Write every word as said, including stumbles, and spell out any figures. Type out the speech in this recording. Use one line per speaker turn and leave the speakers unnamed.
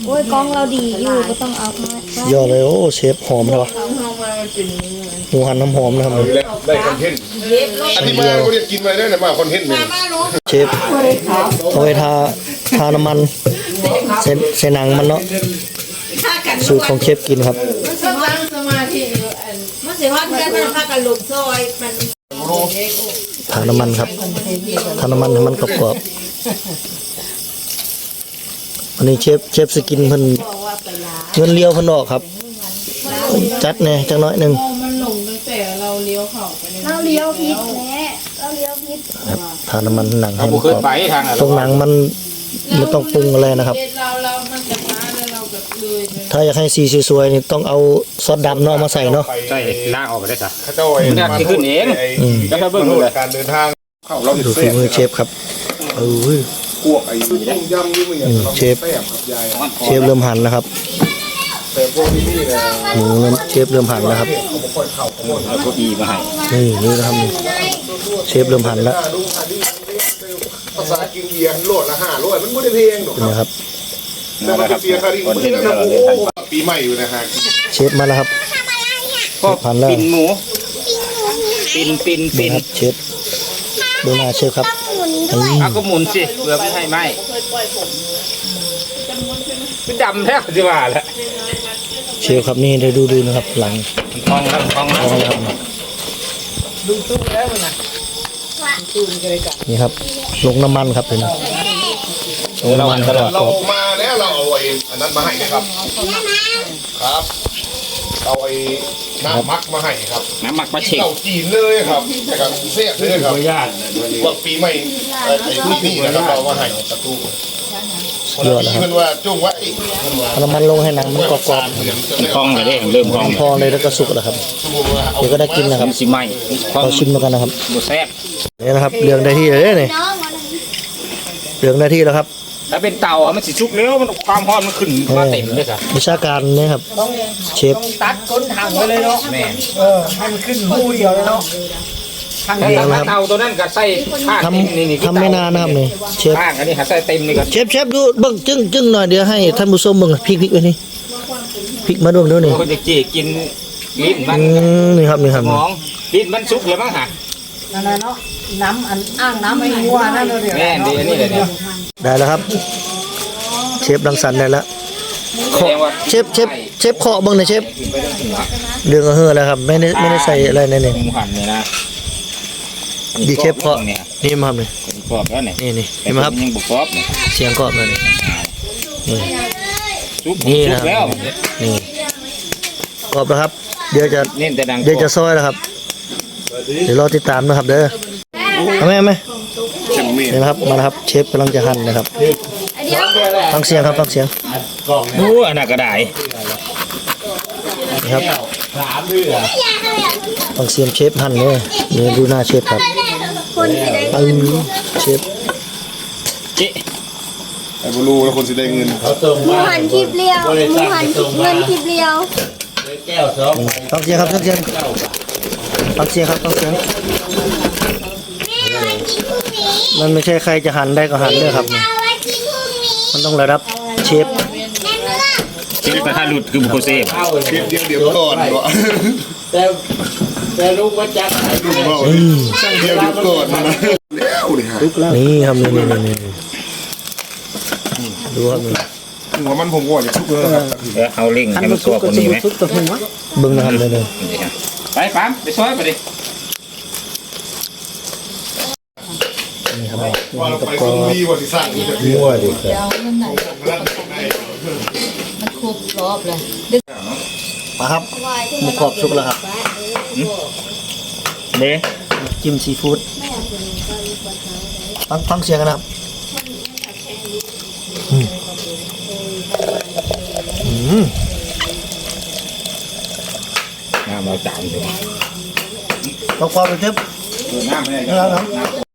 อ้ยกล้องเราดีอยู่ก็ต้องเอา
ยอดเลยโอ้เชฟหอมเลยวะหมูหันน้ำหอมนะครับ
ได้คอนเทนต์อันนี้มาเขาเรียกกินมาได้นะมาคอนเทนต์เลย
เชฟเอาไว้ทาทาน้ำมันเส้นเส้นหนังมันเนาะสูตรของเชฟกินครับ
มันสิว่าสมาธิมันสิว่ากันมันพากันลงซอยมัน
ทาน้ำมันครับทาน้ำมันให้มันกรอบๆอันนี้เชฟเชฟสกินเพิ่นเงินเลี้ยวเพิ่นออกครับจัดแน่จังน้อยหนึ่ง
มันลงตั้งแต่เราเลี้ยวเข้าไป
เราเลี้ยวพิษแม่เราเลี้ยวพิษ
ทาน้ำมันหนังให้มัน
กรอบต
รงหนังมันไม่ต้องปรุงอะไรนะครับถ้าอยากให้สีสวยๆนี่ต้องเอาซอสดำเนาะมาใส่เนาะ
ใช่ล่างออกไปได้จ้ะ
เขาจะไอ้
มันขึ้นเองแล้วถ้าเบิ่งเลย
การเดินทางเข้าเรา
ดูฝีมือเชฟครับเออ
พวกไอ้ต้มยำนี่มัน
เชฟเชฟเริ่มหั่นนะครับ
แต่พวกนี้นี่นะ
หมูเชฟเริ่มหั่นนะครับ
เอาเก้าอี้มาให้
นี่นี่นะครับเชฟเริ่มหั่นแล้ว
ภาษากินเบียร์โหลดละห้าโหลดมันไม่ได้เพลงหรอก
นะครับ
แต่มันเบียร์คาริงมันนะโอ้ปีใหม่อยู่นะฮะ
เชฟมาแล้วครับ
หั่นแล้วปิ่นหมูปิ่นปิ่นปิ่น
เชฟดูหน้าเชฟครับ
เอาก็หมุนสิเพื่อไม่ให้ไหมเป็นดำแท้สิว่าแหละ
เชฟครับนี่ได้ดูดูนะครับหลัง
ทองครับทอง
ครับ
ดูตู้แล้วนะ
นี่ครับลงน้ำมันครับเป็นลงน้ำมันตลอด
เรามาแล้วเราเอาไอ้อันนั้นมาให้นะครับครับเอาไอ้น้ำมักมาให้ครับ
น้ำมักมาเช็ค
เราจีนเลยครับแต่กับเสียเลยครับว่าปีใหม่ไอ้ที่นี่นะครับเรามาให้ตะตู
เยอะนะครับ
มันว่าจุ้งไว้
น้ำมันลงให้หนังมันกรอบ
ๆคล่องเลยเริ่มคล่อง
พอเลยแล้วก็สุกแล้วครับเดี๋ยวก็ได้กินนะครับ
สิไหม
เราชิมกันนะครับ
หมูแซ่บ
นี่นะครับเรืองได้ที่เลยเนี่ยเรืองได้ที่แล้วครับ
ถ้าเป็นเตามันสิชุกแล้วมันความร้อนมันขึ้นมาเต็มเลยจ้ะ
วิชาการนี่ครับเชฟ
ตัดก้นถังไว้เลยเนาะแม่เออให้มันขึ้นหูเดียวเลยเนาะ
ทางเตาตัวนั้นก็ใส่ข้าง
นี่ทำไม่นานนะครับนี่เชฟ
ข้างอันนี้หาใส่เต็มนี่ก็
เชฟเชฟดูเบิ่งจึ้งจึ้งหน่อยเดี๋ยวให้ท่านผู้ชมเบิ่งพริกพริกไว้นี่พริกมาดูดูนี่
คนจะจีกินลิ้นมัน
นี่ครับนี่ครับ
มองลิ้นมันชุกเลยมั้งฮะ
นั่นเนาะน้ำอันอ่างน้ำไอ้งัวนั่นเลย
แม่ดีอันนี้เลยเนี่ย
ได้แล้วครับเชฟรังสรรค์ได้แล้วเชฟเชฟเชฟเคาะบ้างนะเชฟเรื่องก็เฮือแล้วครับไม่ได้ไม่ได้ใส่อะไรในนี่
หั่นเนี่ยนะ
ดีเชฟเคาะนี่มาครับนี่
กรอบแล้วเนี่ย
นี่นี่เห็นไหมครับ
ยังบุกกรอบ
เสียงกรอบเลยนี่นี่นะนี่กรอบแล้วครับเดี๋ยวจะเดี๋ยวจะซอยแล้วครับเดี๋ยวรอติดตามนะครับเด้อเอาไหมเอาไหมนี่นะครับมาแล้วครับเชฟกำลังจะหั่นนะครับฟังเสียงครับฟังเสียง
โอ้อันนั้นก็ได้
นะครับฟังเสียงเชฟหั่นเลยนี่ดูหน้าเชฟครับเออเชฟ
เจ๊
ไอ้บลูแล้วคนสิได้เงิน
หมูหันคลิปเลี้ยวหมูหันเงินคลิปเลี้ยว
ฟังเสียงครับฟังเสียงฟังเสียงครับฟังเสียงมันไม่ใช่ใครจะหันได้ก็หันเลยครับมันต้องระดับเชฟ
เชฟกระทะหลุดคือบุคคลเซฟ
เดี๋ยวเดี๋ยวเดี๋ยวก่อน
แต่แต่ลูกว่าจัด
เดี๋ยวเดี๋ยวก่อนนะแล้ว
นี่นี่ครับนี่นี่นี่ดูครับนี่
หัวมันผมก่อนจะทุกเลยครับ
เอาลิงให้มันตัวคนนี้ไหม
บึ้งนะครับเลยเลย
ไปปั๊มไปช่วยไปดิ
นี่ครับ
ว่าเราไปตรงนี้วันที่สร้างนี่จะ
มั่วดิ
มันครบรอบเลย
มาครับหมูกรอบสุกแล้วครับ
เด้
จิ้มซีฟู้ดฟังฟังเสียงกันนะครับอืมอืม
น้ำเราจานเลย
กรอบๆเลยเชฟ
น้ำไม่ได้